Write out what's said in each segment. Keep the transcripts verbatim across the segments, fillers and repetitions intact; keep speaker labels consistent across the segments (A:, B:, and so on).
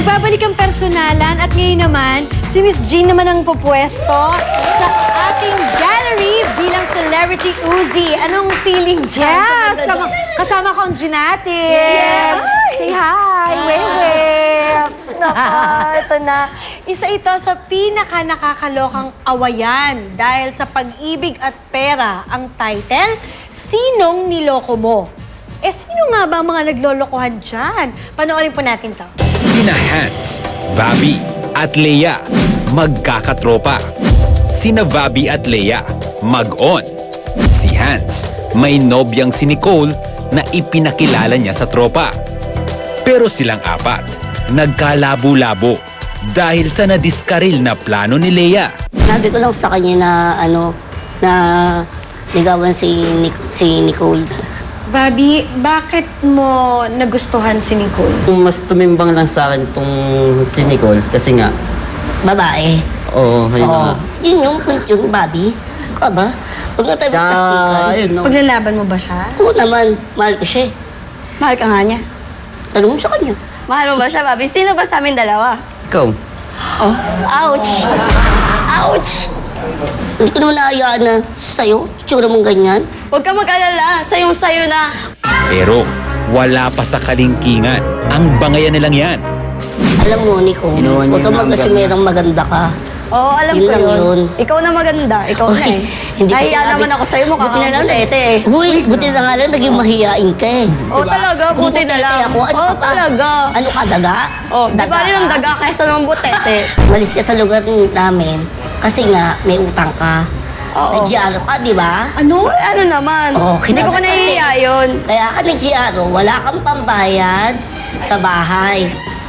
A: Nagbabalik ang personalan at ngayon naman, si Miss Jean naman ang pupwesto sa ating gallery bilang celebrity Uzi. Anong feeling dyan?
B: Yes! Kasama, kasama ko ang Jean natin.
A: Yes!
B: Say hi! Wave, wave!
A: Nako, ito na. Isa ito sa pinaka-nakakalokang awayan dahil sa pag-ibig at pera ang title, Sinong Niloko Mo? Eh, sino nga ba ang mga naglolokohan dyan? Panoorin po natin to.
C: Sina Hans, Vabi at Leia, magkakatropa. Sina Vabi at Leia, mag-on. Si Hans, may nobyang si Nicole na ipinakilala niya sa tropa. Pero silang apat, nagkalabo-labo dahil sa nadiskaril na plano ni Leia.
D: Sabi ko lang sa kanya na ano, na ligawan si, Nic si Nicole.
A: Bobby, bakit mo nagustuhan si Nicole?
E: Mas tumimbang lang sa akin itong si Nicole kasi nga,
D: Babae.
E: oo, ayun
D: Oo.
E: nga.
D: Yun yung point yung Bobby. Ka ba? Huwag na tayo
E: Tsaka,
D: magplastikan.
E: ayun, no.
A: Paglalaban mo ba siya?
D: Oo naman, mahal ko siya eh.
F: Mahal ka nga niya.
D: Tanong mo sa kanya.
F: Mahal mo ba siya, Bobby? Sino ba sa amin dalawa?
E: Ikaw,
D: Oh, ouch! Ouch! Hindi ko naman naayaan na sa'yo, itsura mong ganyan.
F: Huwag ka mag-alala. Sayong-sayo na.
C: Pero wala pa sa kalingkingan ang bangayan nilang yan.
D: Alam mo, Nico,
E: Ginawa niya
D: huwag kang
E: yung
D: mag-asumerang maganda ka.
F: Oo, alam
D: Yun
F: ko
D: lang
F: yun.
D: yun.
F: Ikaw na maganda. Ikaw na
D: Uy,
F: eh.
D: hindi ko
F: Nahiya
D: sinabi.
F: naman ako sa'yo. Mukha
D: Buti na
F: kang
D: lang,
F: butete eh.
D: Uy, buti na nga lang, naging mahiyain ka eh.
F: Oo, talaga,
D: Kung
F: buti na
D: butete
F: lang.
D: Ako, ano
F: Oo,
D: ka pa?
F: talaga.
D: Ano ka, daga?
F: Oh, di ba rin ang
D: ka?
F: daga kaysa naman butete?
D: Malis ka sa lugar namin kasi nga may utang ka.
F: Oo.
D: Nag-G R O ka, di ba?
F: Ano? Eh, ano naman?
D: Oo,
F: Hindi ko pa
D: kinagat
F: nahihiya
D: kasi.
F: yun.
D: Kaya ka nag-G R O, wala kang pambayad sa bahay.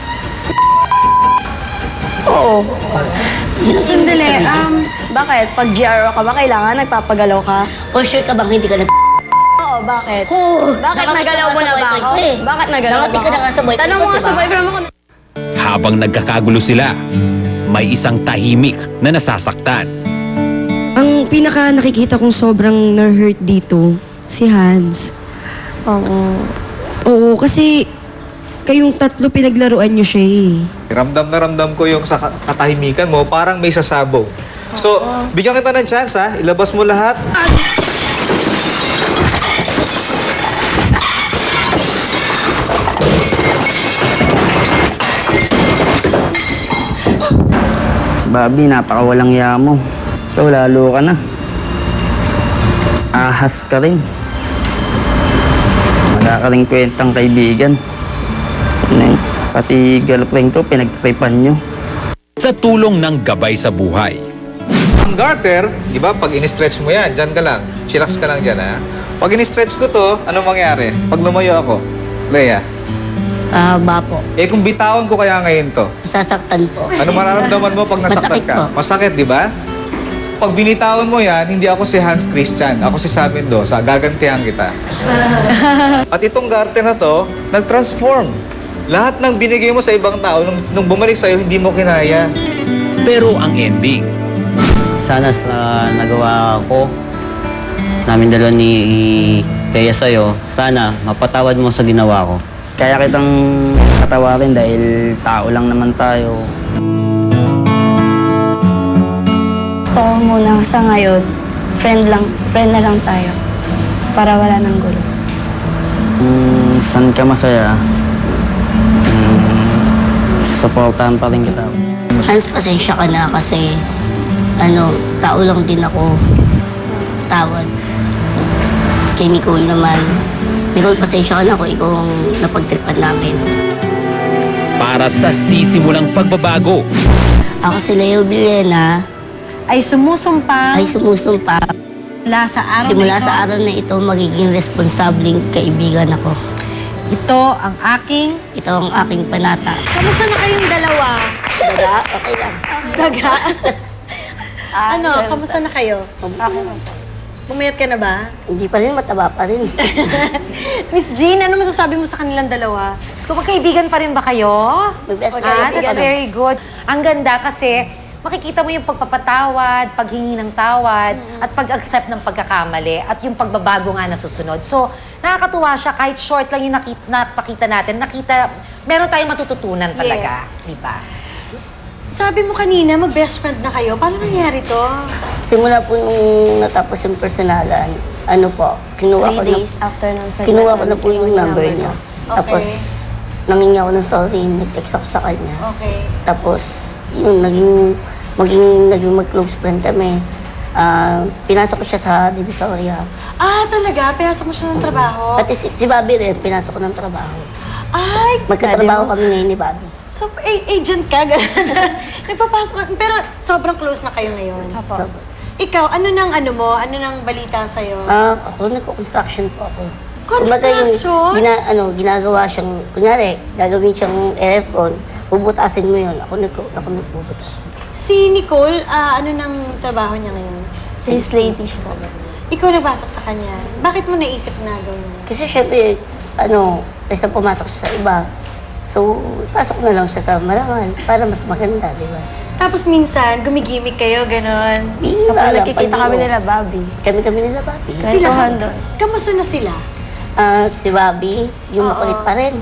F: Oo.
D: Yun ang ibig
A: Sandali,
D: sabihin.
A: um,
F: Bakit? Pag G R O ka ba, kailangan nagpapagalaw ka?
D: For sure ka bang hindi ka nag...
F: Oo, bakit?
D: Oh,
F: Bakit
D: nakati
F: nagalaw
D: ka
F: mo
D: sa
F: na ba
D: boyfriend
F: ako?
D: ko eh.
F: Bakit nagalaw
D: Nakati
F: ba
D: ka na
F: ako?
D: nga sa boyfriend
F: Tanong
D: ko,
F: mo nga
D: di
F: sa
D: ba?
F: boyfriend mo kung
C: Habang nagkakagulo sila, may isang tahimik na nasasaktan.
G: Ang pinaka nakikita kong sobrang na-hurt dito, si Hans.
F: Oo.
G: Oo, kasi kayong tatlo pinaglaruan niyo siya eh.
H: Ramdam na ramdam ko yung sa ka- katahimikan mo, parang may sasabaw. So, bigyan kita ng chance ha, ilabas mo lahat.
E: Bobby, napakawalang ya mo. Ikaw, lalo ka na. Ahas ka rin. Wala ka rin kwentang kaibigan. Ano yun? Pati girlfriend ko, pinagtripan nyo.
C: Sa tulong ng gabay sa buhay,
H: Ang garter, di ba, pag in-stretch mo yan, dyan ka lang. Chillax ka lang dyan ha. Pag in-stretch ko to, ano mangyari? Pag lumayo ako, Leia,
D: Ah, bapo.
H: eh kung bitawan ko kaya ngayon to,
D: Sasaktan po.
H: ano mararamdaman mo pag nasaktan
D: Masakit
H: ka?
D: po.
H: Masakit, di ba? Pag binitawan mo yan, hindi ako si Hans Christian. Ako si Sam Mendoza. Gagantihan kita. At itong garter na to, nag-transform. Lahat ng binigay mo sa ibang tao, nung, nung bumalik sa'yo, hindi mo kinaya.
C: pero ang ending,
E: Sana sa nagawa ko, namin dalawa ni Kaya sa'yo, sana mapatawad mo sa ginawa ko. Kaya kitang patawarin dahil tao lang naman tayo.
F: gusto ko muna sa ngayon, friend lang, friend na lang tayo. Para wala nang gulo.
E: Kung saan ka masaya, um, supportahan pa rin kita.
D: Hans, pasensya ka na kasi ano, tao lang din ako. Tawad. Kay Nicole naman. Nicole, pasensya ka na kung ikaw ang napagtripan namin.
C: para sa sisimulang pagbabago,
D: Ako si Leo Villena
A: Ay sumusumpa
D: ay sumusumpa.
A: mula sa araw
D: Simula
A: na ito.
D: sa araw na ito, magiging responsabling kaibigan ako.
A: Ito ang aking...
D: Ito ang aking panata.
A: Kamusta na kayong dalawa?
D: Daga, okay lang.
A: Daga? ano, kamusta na kayo? Pumayat ka na ba?
D: Hindi pa rin, mataba pa rin.
A: Miss Jean, ano masasabi mo sa kanilang dalawa?
B: So, magkaibigan pa rin ba kayo?
D: May best
B: Ah,
D: friend
B: that's
D: kami.
B: very good. Ang ganda kasi makikita mo yung pagpapatawad, paghingi ng tawad, at pag-accept ng pagkakamali, at yung pagbabago nga na susunod. So, nakakatuwa siya, kahit short lang yung nakita, napakita natin, nakita, meron tayong matututunan talaga, di ba?
A: Sabi mo kanina, mag-best friend na kayo. Paano nangyari to?
D: Simula po nung natapos yung personalan, ano po, kinuha ko
F: Three
D: na,
F: days after ng segment.
D: kinuha ko na po
F: kinuha
D: yung number niya.
A: Okay.
D: Tapos, nangingi ako ng sorry, nag-text ako sa kanya.
A: Okay.
D: Tapos, yun, naging, maging, naging mag-close friend kami. Ah, pinasok ko siya sa Divisoria.
A: Ah, talaga? Pinasok mo siya ng trabaho?
D: Pati si, si Bobby rin, pinasok ko ng trabaho.
A: Ay,
D: Magkatrabaho kami ngayon ni Bobby.
A: so, a- agent ka, gano'n. Nagpapasok ka. Pero sobrang close na kayo ngayon.
D: So,
A: Ikaw, ano nang ano mo? Ano nang balita sa'yo?
D: ah, ako, nagko-construction po ako.
A: Construction?
D: Kumbaga yung gina, ano, ginagawa siyang, kunyari, gagawin siyang aircon, bubutasin mo yun. Ako, nagko, ako nagbubutas.
A: Si Nicole, ah, ano nang trabaho niya ngayon?
F: Since ladies po.
A: Ikaw nagpasok sa kanya. Bakit mo naisip na gawin mo?
D: Kasi syempre, ano, basta pumasok siya sa iba. So, pasok na lang siya sa marangal para mas maganda, di ba?
A: Tapos minsan, gumigimik kayo, gano'n.
D: Bihira
F: Kapag
D: lang,
F: nakikita
D: pag-
F: kami nila, Bobby.
D: Kami-kami nila, Bobby.
A: Sila,
F: Kwentuhan doon.
A: kamusta na sila?
D: Ah, si Bobby, yung
A: Oo.
D: makulit pa rin.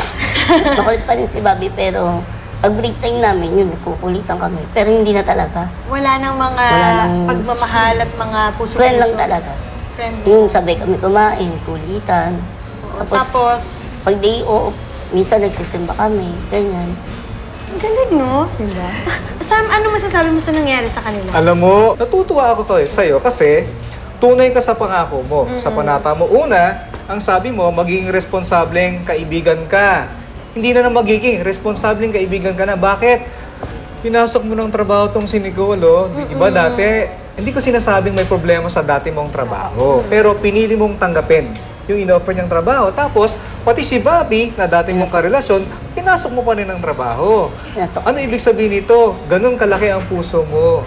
D: makulit pa rin si Bobby, pero pag break time namin, yun, nagkukulitan kami. Pero hindi na talaga.
A: Wala nang mga
D: Wala nang-
A: pagmamahal at mga puso-puso.
D: Friend lang talaga.
A: Friend.
D: Yung sabay kami kumain, kulitan.
A: Oo, Tapos,
D: pag day off, minsan nagsisimba kami, ganyan.
A: ang galing, no?
F: Simba.
A: Sam, ano masasabi mo sa nangyari sa kanila?
H: Alam mo, natutuwa ako to eh, sa'yo kasi tunay ka sa pangako mo, sa panata mo. Una, ang sabi mo, maging responsableng kaibigan ka. Hindi na na magiging responsableng kaibigan ka na. Bakit? Pinasok mo ng trabaho tong si Nicole, oh. Di ba dati, hindi ko sinasabing may problema sa dati mong trabaho. Pero pinili mong tanggapin yung in-offer niyang trabaho. Tapos, pati si Bobby, na dati mong karelasyon, pinasok mo pa rin ng trabaho.
D: Pinasok.
H: Ano ibig sabihin nito? Ganun kalaki ang puso mo.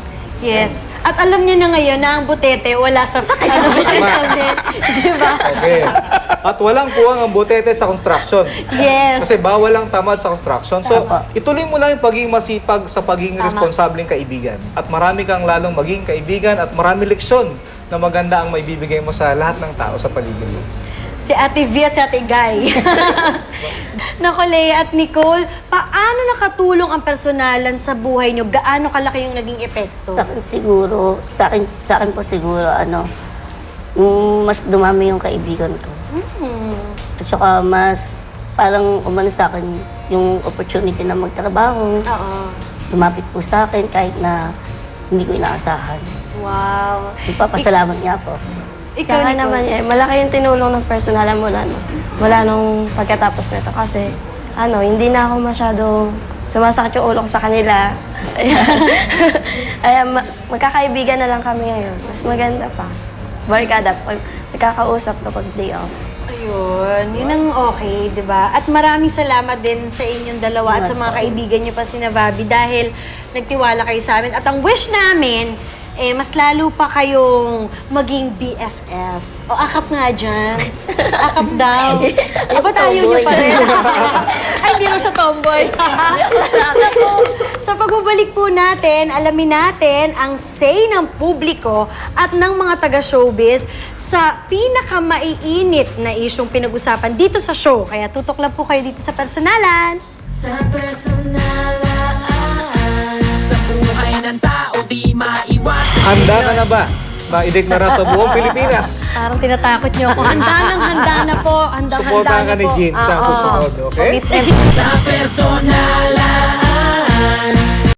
A: Yes. At alam niya na ngayon na ang butete wala sa ano, Di ba?
H: Okay. At walang puwang ang butete sa construction.
A: Yes.
H: Kasi bawal ang tamad sa construction. So,
D: Tama.
H: ituloy mo lang yung pagiging masipag sa pagiging
A: Tama.
H: responsableng kaibigan. At marami kang lalong maging kaibigan at marami leksyon na maganda ang maibibigay mo sa lahat ng tao sa paligid mo.
A: Si Ate V at si Ate Guy. Nako, Lea at Nicole, paano nakatulong ang personalan sa buhay niyo? Gaano kalaki yung naging epekto?
D: Sa akin siguro, sa akin, sa akin po siguro, ano, yung mas dumami yung kaibigan ko. At saka mas, parang umano sa akin, yung opportunity na magtrabaho,
A: Oo.
D: lumapit po sa akin kahit na hindi ko inaasahan.
A: Wow.
D: Ipapasalamat niya po.
F: Sa akin
A: Nicole.
F: naman, eh, malaki yung tinulong ng personalan mula, no? Mula nung pagkatapos nito. Kasi, ano, hindi na ako masyado sumasakit yung ulo ko sa kanila. Ayan. Ayan, ma- magkakaibigan na lang kami ngayon. Mas maganda pa. Barkada, pag nagkakausap kapag day off.
A: Ayun, yun ang okay, di ba? At maraming salamat din sa inyong dalawa at sa mga kaibigan niyo pa si Bobby dahil nagtiwala kayo sa amin. At ang wish namin, eh, mas lalo pa kayong maging B F F. O, akap nga dyan. Akap daw. Eh, ba't ayaw niyo pa rin? Ay, hindi rin siya tomboy. Sa pagbabalik po natin, alamin natin ang say ng publiko at ng mga taga-showbiz sa pinakamaiinit na isyong pinag-usapan dito sa show. Kaya tutok lang po kayo dito sa personalan.
I: Sa personalan, sa buhay ng tao di maiwasan.
H: Handa ka na ba? Maideklara sa buong Pilipinas.
A: Parang tinatakot niyo ako. Handa nang handa na po. Handa, handa
H: Suportahan
A: na
H: ka ni
A: po.
H: Jean sa
A: Ah, oo.
H: susunod, okay?
A: Commitment.
I: Sa